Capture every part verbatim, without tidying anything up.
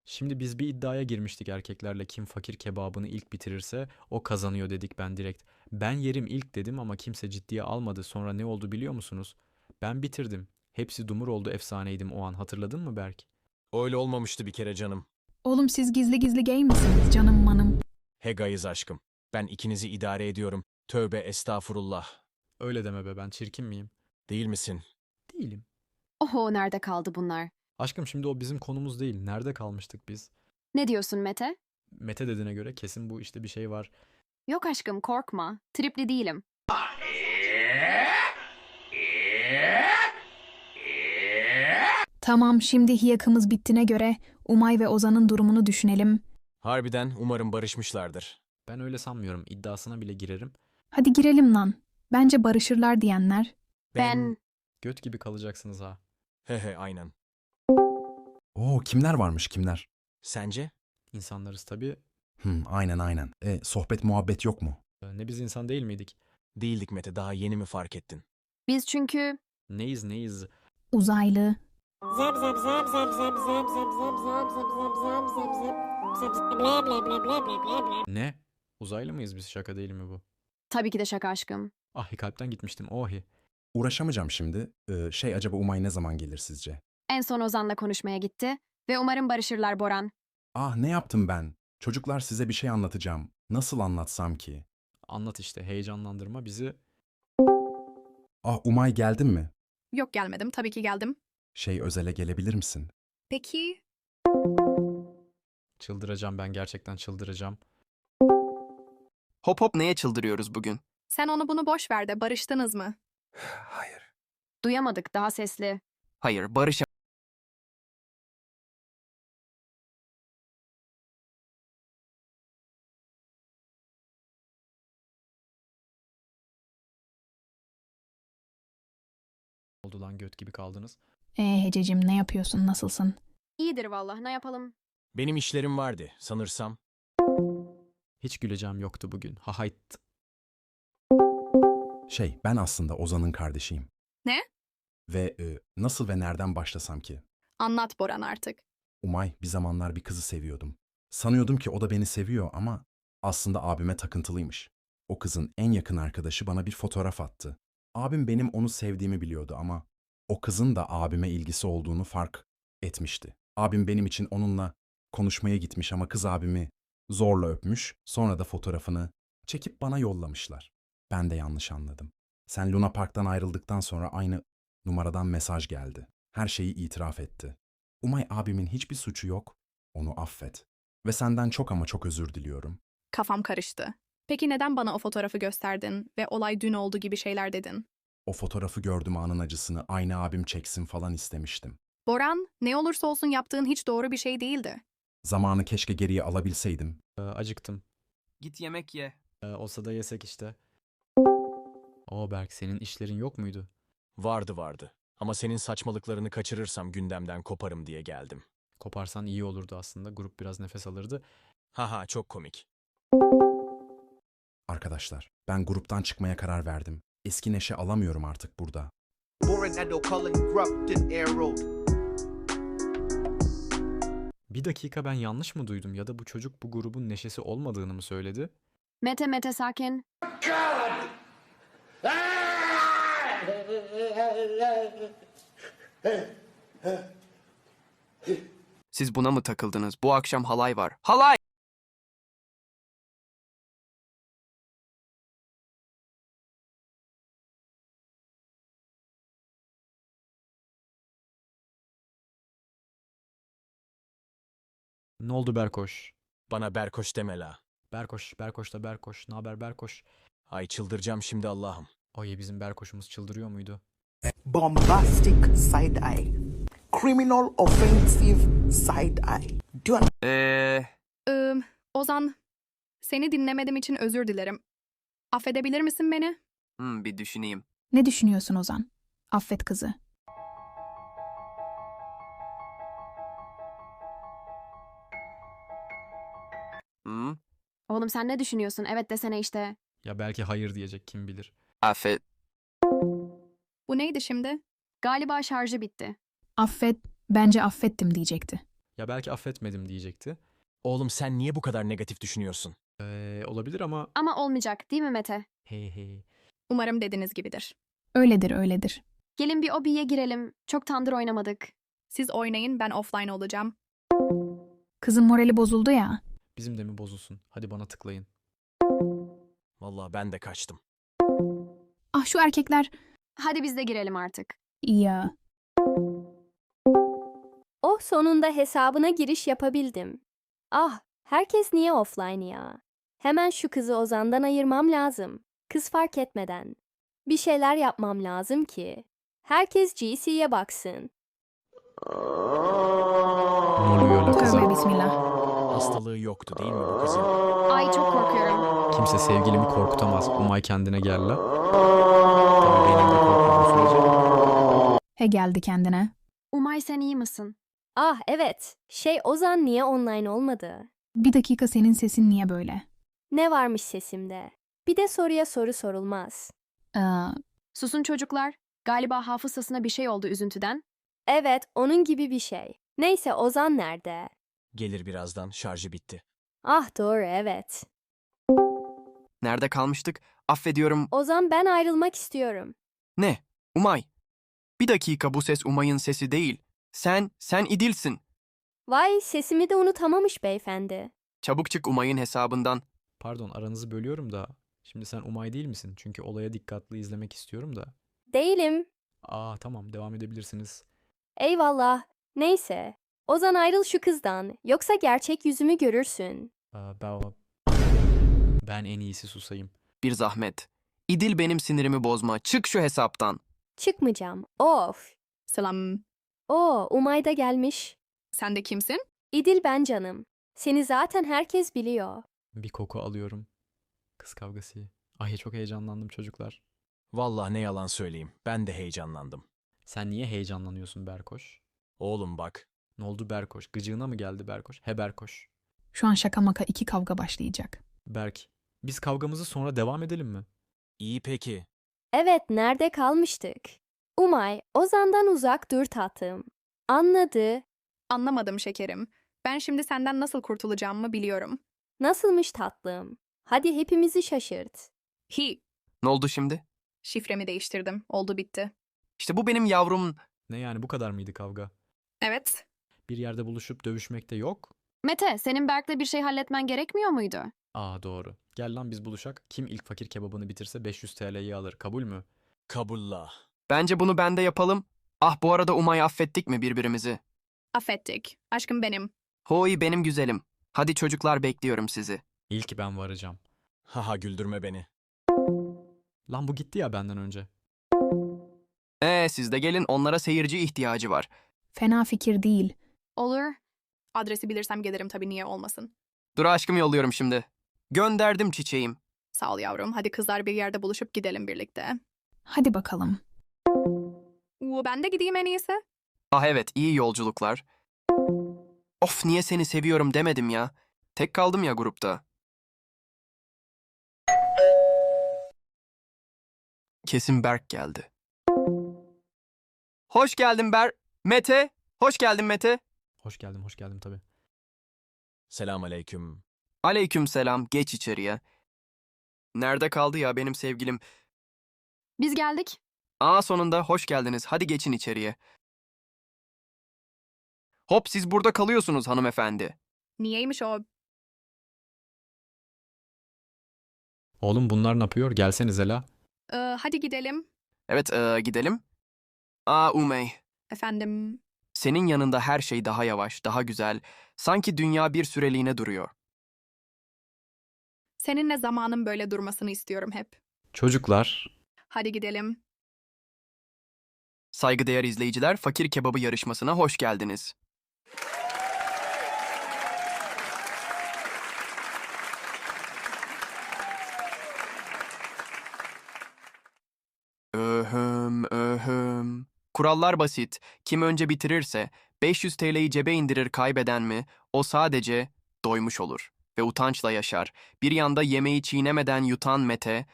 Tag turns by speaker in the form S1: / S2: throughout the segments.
S1: Şimdi biz bir iddiaya girmiştik erkeklerle kim fakir kebabını ilk bitirirse o kazanıyor dedik ben direkt. Ben yerim ilk dedim ama kimse ciddiye almadı. Sonra ne oldu biliyor musunuz? Ben bitirdim. Hepsi dumur oldu efsaneydim o an hatırladın mı Berk?
S2: Öyle olmamıştı bir kere canım.
S3: Oğlum siz gizli gizli gay misiniz canım manım?
S2: He gayız aşkım. Ben ikinizi idare ediyorum. Tövbe estağfurullah.
S1: Öyle deme be ben çirkin miyim?
S2: Değil misin?
S1: Değilim.
S4: Oho nerede kaldı bunlar?
S1: Aşkım şimdi o bizim konumuz değil. Nerede kalmıştık biz?
S4: Ne diyorsun Mete?
S1: Mete dediğine göre kesin bu işte bir şey var.
S4: Yok aşkım korkma. Tripli değilim.
S3: Tamam şimdi hiyakımız bittiğine göre Umay ve Ozan'ın durumunu düşünelim.
S2: Harbiden umarım barışmışlardır.
S1: Ben öyle sanmıyorum. İddiasına bile girerim.
S3: Hadi girelim lan. Bence barışırlar diyenler.
S4: Ben...
S1: Göt gibi kalacaksınız ha.
S2: He he aynen.
S5: Oo, kimler varmış kimler?
S2: Sence?
S1: İnsanlarız tabii.
S5: Hmm, aynen aynen. E, sohbet muhabbet yok mu?
S1: Ee, Ne biz insan değil miydik?
S2: Değildik Mete, daha yeni mi fark ettin?
S4: Biz çünkü...
S1: Neyiz neyiz?
S3: Uzaylı.
S6: Zap zap zap zap zap zap zap zap zap zap zap zap zap zap zap zap bla bla bla bla bla bla bla.
S1: Ne? Uzaylı mıyız biz? Şaka değil mi bu?
S4: Tabii ki de şaka aşkım.
S1: Ahi kalpten gitmiştim. Ohi.
S5: Uğraşamayacağım şimdi. Ee, şey acaba Umay ne zaman gelir sizce?
S4: En son Ozan'la konuşmaya gitti ve umarım barışırlar Boran.
S5: Ah ne yaptım ben? Çocuklar size bir şey anlatacağım. Nasıl anlatsam ki?
S1: Anlat işte. Heyecanlandırma bizi.
S5: Ah Umay geldin mi?
S7: Yok gelmedim. Tabii ki geldim.
S5: Şey özele gelebilir misin?
S7: Peki
S1: Çıldıracağım ben. Gerçekten çıldıracağım.
S8: Hop hop neye çıldırıyoruz bugün?
S7: sen onu bunu boş ver de barıştınız mı?
S8: Hayır.
S4: Duyamadık daha sesli.
S8: Hayır, barış
S1: Oldu lan göt gibi kaldınız.
S3: Ee Hececim ne yapıyorsun nasılsın?
S4: İyidir vallahi ne yapalım?
S2: Benim işlerim vardı sanırsam.
S1: Hiç güleceğim yoktu bugün. Ha hayt.
S5: Şey ben aslında Ozan'ın kardeşiyim.
S7: Ne?
S5: Ve e, nasıl ve nereden başlasam ki?
S7: Anlat Boran artık.
S5: Umay bir zamanlar bir kızı seviyordum. Sanıyordum ki o da beni seviyor ama aslında abime takıntılıymış. O kızın en yakın arkadaşı bana bir fotoğraf attı. Abim benim onu sevdiğimi biliyordu ama o kızın da abime ilgisi olduğunu fark etmişti. Abim benim için onunla konuşmaya gitmiş ama kız abimi zorla öpmüş, sonra da fotoğrafını çekip bana yollamışlar. Ben de yanlış anladım. Sen Luna Park'tan ayrıldıktan sonra aynı numaradan mesaj geldi. Her şeyi itiraf etti. Umay abimin hiçbir suçu yok, onu affet. Ve senden çok ama çok özür diliyorum.
S7: Kafam karıştı. Peki neden bana o fotoğrafı gösterdin ve olay dün oldu gibi şeyler dedin?
S5: O fotoğrafı gördüm anın acısını aynı abim çeksin falan istemiştim.
S7: Boran, ne olursa olsun yaptığın hiç doğru bir şey değildi.
S5: Zamanı keşke geriye alabilseydim.
S1: Ee, acıktım.
S8: git yemek ye.
S1: Ee, olsa da yesek işte. Oo Berk senin işlerin yok muydu?
S2: Vardı vardı. Ama senin saçmalıklarını kaçırırsam gündemden koparım diye geldim.
S1: Koparsan iyi olurdu aslında. Grup biraz nefes alırdı.
S2: Haha çok komik.
S5: Arkadaşlar, ben gruptan çıkmaya karar verdim. Eski neşe alamıyorum artık burada.
S9: Boronado calling corrupted air road.
S1: Bir dakika ben yanlış mı duydum ya da bu çocuk bu grubun neşesi olmadığını mı söyledi?
S4: Mete Mete sakin.
S8: Siz buna mı takıldınız? Bu akşam halay var. Halay!
S1: Ne oldu Berkoş?
S2: Bana Berkoş deme la.
S1: Berkoş, Berkoş da Berkoş. Ne haber Berkoş?
S2: Ay çıldıracağım şimdi Allah'ım.
S1: Ay bizim Berkoş'umuz çıldırıyor muydu?
S10: Bombastic side eye. Criminal offensive side eye. Do you
S8: Eee...
S7: Ee, Ozan, seni dinlemedim için özür dilerim. Affedebilir misin beni?
S8: Hmm, bir düşüneyim.
S3: Ne düşünüyorsun Ozan? Affet kızı.
S8: Hmm,
S4: Oğlum sen ne düşünüyorsun? Evet desene işte.
S1: Ya belki hayır diyecek kim bilir.
S8: affet.
S7: Bu neydi şimdi?
S4: Galiba şarjı bitti.
S3: Affet, bence affettim diyecekti.
S1: Ya belki affetmedim diyecekti.
S2: Oğlum sen niye bu kadar negatif düşünüyorsun?
S1: Ee, olabilir ama
S4: Ama olmayacak değil mi Mete?
S1: hey hey.
S7: Umarım dediğiniz gibidir.
S3: Öyledir, öyledir.
S4: Gelin bir obiye girelim. Çok tandır oynamadık.
S7: Siz oynayın, ben offline olacağım.
S3: Kızın morali bozuldu ya.
S1: Bizim de mi bozulsun? Hadi bana tıklayın.
S2: Vallahi ben de kaçtım.
S3: Ah şu erkekler.
S4: Hadi biz de girelim artık.
S3: Ya.
S11: Oh sonunda hesabına giriş yapabildim. Ah, herkes niye offline ya? Hemen şu kızı Ozan'dan ayırmam lazım. Kız fark etmeden. Bir şeyler yapmam lazım ki. Herkes G C'ye baksın.
S1: Ne oluyor la kıza?
S3: Tövbe bismillah.
S2: Hastalığı yoktu değil mi bu kızın?
S4: Ay çok korkuyorum.
S1: Kimse sevgilimi korkutamaz. Umay kendine gel la. Tabii benim de korkmadığım sürece.
S3: He geldi kendine.
S4: Umay sen iyi misin?
S11: Ah evet, şey Ozan niye online olmadı?
S3: Bir dakika, senin sesin niye böyle?
S11: Ne varmış sesimde? Bir de soruya soru sorulmaz.
S3: Ee,
S4: Susun çocuklar. Galiba hafızasına bir şey oldu üzüntüden.
S11: Evet, onun gibi bir şey. Neyse Ozan nerede?
S2: Gelir birazdan, şarjı bitti.
S11: Ah doğru evet.
S8: Nerede kalmıştık? Affediyorum.
S11: Ozan ben ayrılmak istiyorum.
S8: Ne? Umay. Bir dakika, bu ses Umay'ın sesi değil. Sen, sen İdil'sin.
S11: Vay sesimi de unutamamış beyefendi.
S8: Çabuk çık Umay'ın hesabından.
S1: Pardon, aranızı bölüyorum da. Şimdi sen Umay değil misin? Çünkü olaya dikkatli izlemek istiyorum da.
S11: Değilim.
S1: Aa tamam, devam edebilirsiniz.
S11: Eyvallah. Neyse. Ozan ayrıl şu kızdan. Yoksa gerçek yüzümü görürsün.
S1: Aa, ben, ben en iyisi susayım.
S8: Bir zahmet. İdil benim sinirimi bozma. Çık şu hesaptan.
S11: Çıkmayacağım. Of.
S7: Selam.
S11: Oo, Umay da gelmiş.
S7: Sen de kimsin?
S11: İdil ben canım. Seni zaten herkes biliyor.
S1: Bir koku alıyorum. Kız kavgası. Ay çok heyecanlandım çocuklar.
S2: Vallahi ne yalan söyleyeyim, ben de heyecanlandım.
S1: Sen niye heyecanlanıyorsun Berkoş?
S2: Oğlum bak,
S1: Ne oldu Berkoş? Gıcığına mı geldi Berkoş? He Berkoş.
S3: Şu an şaka maka iki kavga başlayacak.
S1: Berk, biz kavgamızı sonra devam edelim mi?
S2: iyi peki.
S11: Evet, nerede kalmıştık? Umay, Ozan'dan uzak dur tatlım. Anladı.
S7: Anlamadım şekerim. Ben şimdi senden nasıl kurtulacağımı biliyorum.
S11: Nasılmış tatlım? Hadi hepimizi şaşırt.
S7: Hi.
S8: Ne oldu şimdi?
S7: Şifremi değiştirdim. Oldu bitti.
S8: İşte bu benim yavrum.
S1: Ne yani, bu kadar mıydı kavga?
S7: Evet.
S1: Bir yerde buluşup dövüşmek de yok.
S4: Mete, senin Berk'le bir şey halletmen gerekmiyor muydu?
S1: Aa doğru. Gel lan biz buluşak. Kim ilk fakir kebabını bitirse beş yüz T L'yi alır. Kabul mü?
S2: Kabullah.
S8: Bence bunu ben de yapalım. Ah bu arada Umay, affettik mi birbirimizi?
S7: Affettik. Aşkım benim.
S8: Hoy benim güzelim. Hadi çocuklar, bekliyorum sizi.
S1: İlk ben varacağım.
S2: Haha güldürme beni.
S1: Lan bu gitti ya benden önce.
S8: Ee siz de gelin, onlara seyirci ihtiyacı var.
S3: Fena fikir değil.
S4: Olur.
S7: Adresi bilirsem gelirim tabii, niye olmasın.
S8: Dur aşkım, yolluyorum şimdi. Gönderdim çiçeğim.
S7: Sağ ol yavrum. Hadi kızlar bir yerde buluşup gidelim birlikte.
S3: Hadi bakalım.
S7: Uuu, ben de gideyim en iyisi.
S8: Ah evet, iyi yolculuklar. Of, niye seni seviyorum demedim ya. Tek kaldım ya grupta. Kesin Berk geldi. Hoş geldin Ber... Mete! Hoş geldin Mete.
S1: Hoş geldim, hoş geldim tabii.
S2: Selam aleyküm.
S8: Aleyküm selam, geç içeriye. Nerede kaldı ya benim sevgilim?
S4: Biz geldik.
S8: Aa sonunda hoş geldiniz. Hadi geçin içeriye. Hop, siz burada kalıyorsunuz hanımefendi.
S7: Niyeymiş o?
S1: Oğlum bunlar ne yapıyor? Gelsenize la.
S7: Ee, hadi gidelim.
S8: Evet ee, gidelim. Aa Umey.
S7: Efendim.
S8: Senin yanında her şey daha yavaş, daha güzel. Sanki dünya bir süreliğine duruyor.
S7: Seninle zamanın böyle durmasını istiyorum hep.
S1: Çocuklar.
S7: Hadi gidelim.
S8: Saygıdeğer izleyiciler, Fakir Kebabı yarışmasına hoş geldiniz. Öhüm, öhüm. Kurallar basit. Kim önce bitirirse beş yüz T L'yi cebe indirir, kaybeden mi? O sadece doymuş olur ve utançla yaşar. Bir yanda yemeği çiğnemeden yutan Mete...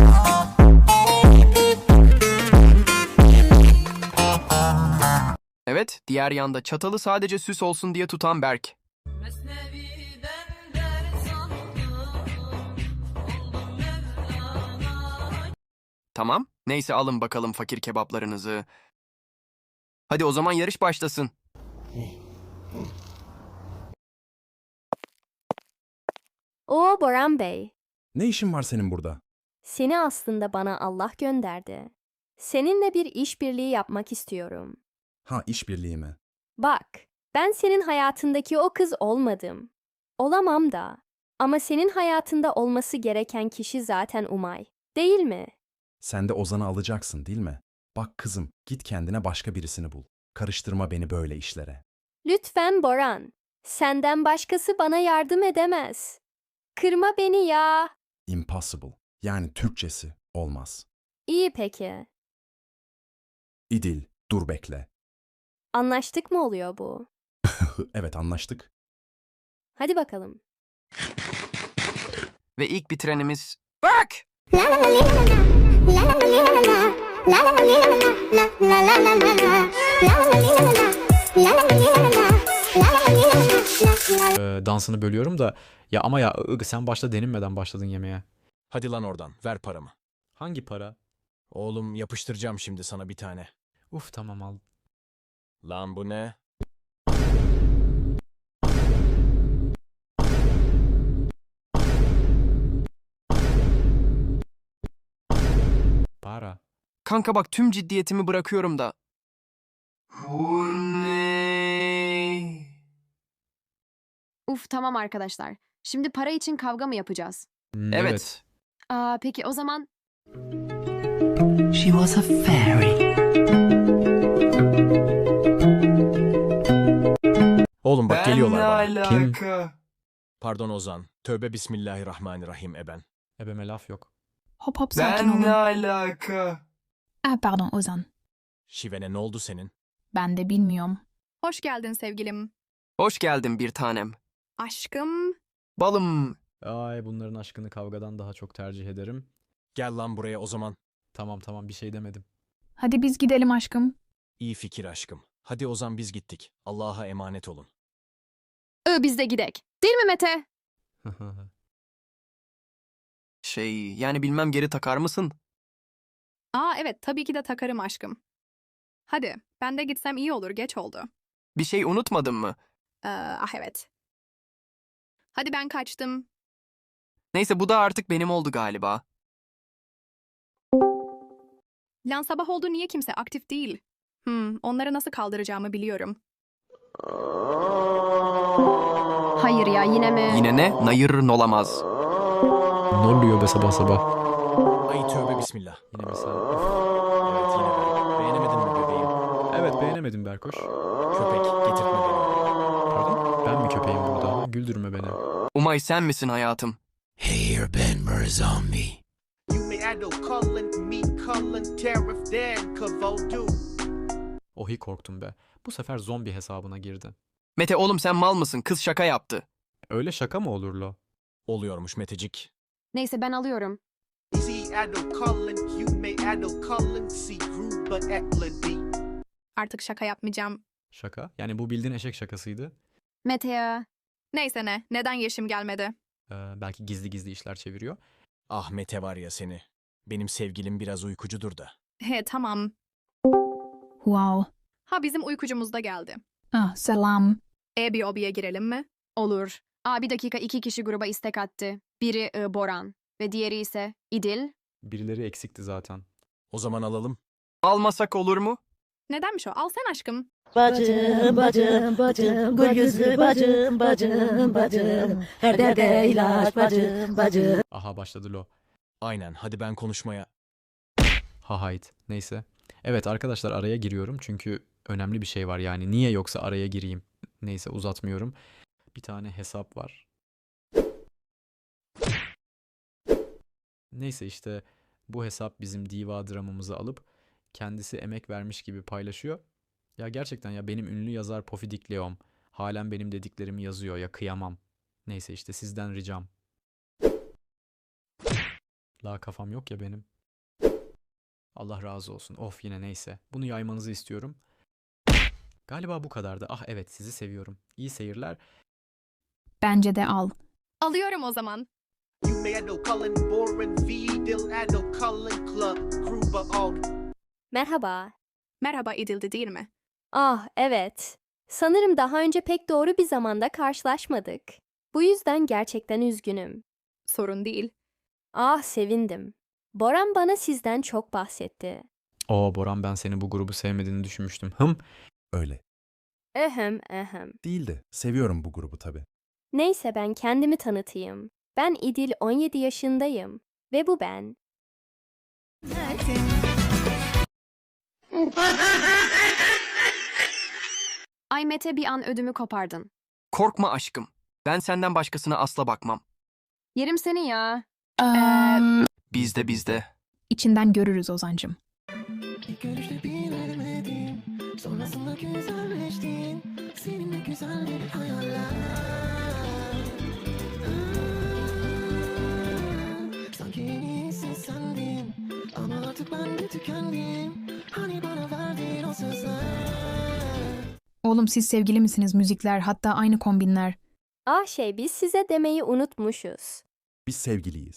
S8: Evet. Evet, diğer yanda çatalı sadece süs olsun diye tutan Berk. Tamam, neyse alın bakalım fakir kebaplarınızı. Hadi o zaman yarış başlasın.
S11: Oo Boran Bey,
S5: Ne işin var senin burada?
S11: seni aslında bana Allah gönderdi. Seninle bir işbirliği yapmak istiyorum.
S5: Ha, işbirliği mi?
S11: Bak, ben senin hayatındaki o kız olmadım. Olamam da. Ama senin hayatında olması gereken kişi zaten Umay, değil mi?
S5: Sen de Ozan'ı alacaksın değil mi? Bak kızım, git kendine başka birisini bul. Karıştırma beni böyle işlere.
S11: Lütfen Boran, senden başkası bana yardım edemez. Kırma beni ya.
S5: Impossible. Yani Türkçesi olmaz.
S11: İyi peki.
S5: İdil, dur bekle.
S11: Anlaştık mı oluyor bu?
S5: Evet, anlaştık.
S11: Hadi bakalım.
S8: Ve ilk bitirenimiz Berk!
S1: Ee, dansını bölüyorum da ya ama ya ıg, sen başta denilmeden başladın yemeğe.
S2: Hadi lan oradan, ver paramı.
S1: Hangi para?
S2: Oğlum yapıştıracağım şimdi sana bir tane.
S1: Uf tamam al.
S2: Lan bu ne?
S1: Para.
S8: Kanka bak tüm ciddiyetimi bırakıyorum da. Bu ne?
S4: Uf tamam arkadaşlar. Şimdi para için kavga mı yapacağız?
S1: Hmm,
S8: Evet.
S4: Aa, peki o zaman
S10: She was a fairy.
S2: Oğlum bak geliyorlar bana.
S1: Kim?
S2: Pardon Ozan. Tövbe bismillahirrahmanirrahim eben.
S1: Ebeme laf yok.
S3: Hop hop sakin olun.
S8: alaka?
S3: Ah pardon Ozan.
S2: Şivene ne oldu senin?
S3: Ben de bilmiyorum.
S7: Hoş geldin sevgilim.
S8: Hoş geldin bir tanem.
S7: Aşkım.
S8: Balım.
S1: Ay bunların aşkını kavgadan daha çok tercih ederim.
S2: Gel lan buraya o zaman.
S1: Tamam tamam bir şey demedim.
S3: Hadi biz gidelim aşkım.
S2: İyi fikir aşkım. Hadi Ozan biz gittik. Allah'a emanet olun.
S4: ı biz de gidek. Değil mi Mete?
S8: Şey yani bilmem geri takar mısın?
S7: Aa evet tabii ki de takarım aşkım. Hadi ben de gitsem iyi olur geç oldu.
S8: Bir şey unutmadın mı?
S7: Ee, ah evet. Hadi ben kaçtım.
S8: Neyse bu da artık benim oldu galiba.
S7: Lan sabah oldu niye kimse aktif değil? Hmm, onları nasıl kaldıracağımı biliyorum.
S4: Hayır ya yine mi?
S8: Yine ne? Nayırın olamaz.
S1: Ne oluyor be sabah sabah?
S2: Ay tövbe bismillah.
S1: Yine mi sen?
S2: Evet yine ben. Beğenemedin mi bebeğim?
S1: Evet beğenemedim Berkoş.
S2: Köpek getirtme beni.
S1: Pardon? Ben mi köpeğim burada? Güldürme beni.
S8: Umay sen misin hayatım?
S9: Here Ben Murzombi. You may add no Cullen, me Cullen, Tariff, Dan, Cavodu.
S1: Ohi korktum be. Bu sefer zombi hesabına girdi.
S8: Mete oğlum sen mal mısın? Kız şaka yaptı.
S1: Öyle şaka mı olur lo?
S2: Oluyormuş Metecik.
S4: Neyse ben alıyorum.
S9: See add no Cullen, you may add no Cullen, see Gruber, Etlady.
S7: Artık şaka yapmayacağım.
S1: Şaka? Yani bu bildiğin eşek şakasıydı.
S4: Mete ya.
S7: Neyse ne, neden Yeşim gelmedi?
S1: Ee, belki gizli gizli işler çeviriyor.
S2: Ah Mete var ya seni. Benim sevgilim biraz uykucudur da.
S7: He tamam.
S3: Wow.
S7: Ha bizim uykucumuz da geldi.
S3: Ah selam.
S7: E bir obiye girelim mi?
S4: Olur. Aa bir dakika iki kişi gruba istek attı. Biri ı, Boran ve diğeri ise İdil.
S1: Birileri eksikti zaten.
S2: O zaman alalım.
S8: Almasak olur mu?
S7: Nedenmiş o? Al sen aşkım.
S12: Bacım, bacım, bacım, gül yüzlü bacım, bacım, bacım, her derde ilaç bacım, bacım.
S1: Aha başladı lo.
S2: Aynen hadi ben konuşmaya.
S1: Ha hayt. Neyse. Evet arkadaşlar araya giriyorum çünkü önemli bir şey var yani. Niye yoksa araya gireyim. Neyse uzatmıyorum. Bir tane hesap var. Neyse işte bu hesap bizim diva dramamızı alıp kendisi emek vermiş gibi paylaşıyor. Ya gerçekten ya benim ünlü yazar Pofidik Leom halen benim dediklerimi yazıyor ya kıyamam. Neyse işte sizden ricam. La kafam yok ya benim. Allah razı olsun. Of yine neyse. Bunu yaymanızı istiyorum. Galiba bu kadardı. Ah evet, sizi seviyorum. İyi seyirler.
S3: Bence de al.
S7: Alıyorum o zaman.
S9: You may know Cullen, Boren, V, Dill, Addo, Cullen, Club, Gruber, Ald.
S11: Merhaba.
S7: Merhaba İdil'di değil mi?
S11: Ah, evet. Sanırım daha önce pek doğru bir zamanda karşılaşmadık. Bu yüzden gerçekten üzgünüm.
S7: Sorun değil.
S11: Ah, sevindim. Boran bana sizden çok bahsetti.
S1: Oo Boran, ben seni bu grubu sevmediğini düşünmüştüm. Hım.
S5: Öyle.
S11: Ehem, ehem.
S5: Değildi. Seviyorum bu grubu tabii.
S11: Neyse ben kendimi tanıtayım. Ben İdil, on yedi yaşındayım. Ve bu ben.
S4: Ay Mete, bir an ödümü kopardın.
S8: Korkma aşkım. Ben senden başkasına asla bakmam.
S4: Yerim seni ya.
S3: Eee,
S8: Bizde bizde.
S3: içinden görürüz Ozancım.
S12: İlk görüşte bilemedim. Sonrasında güzelleştin. Seninle güzel bir hayaller. Hmm, sanki en iyisi sendin. Ama artık ben de tükendim. Hani bana verdiğin o sözler.
S3: Oğlum siz sevgili misiniz? Müzikler, hatta aynı kombinler.
S11: Ah şey biz size demeyi unutmuşuz.
S5: Biz sevgiliyiz.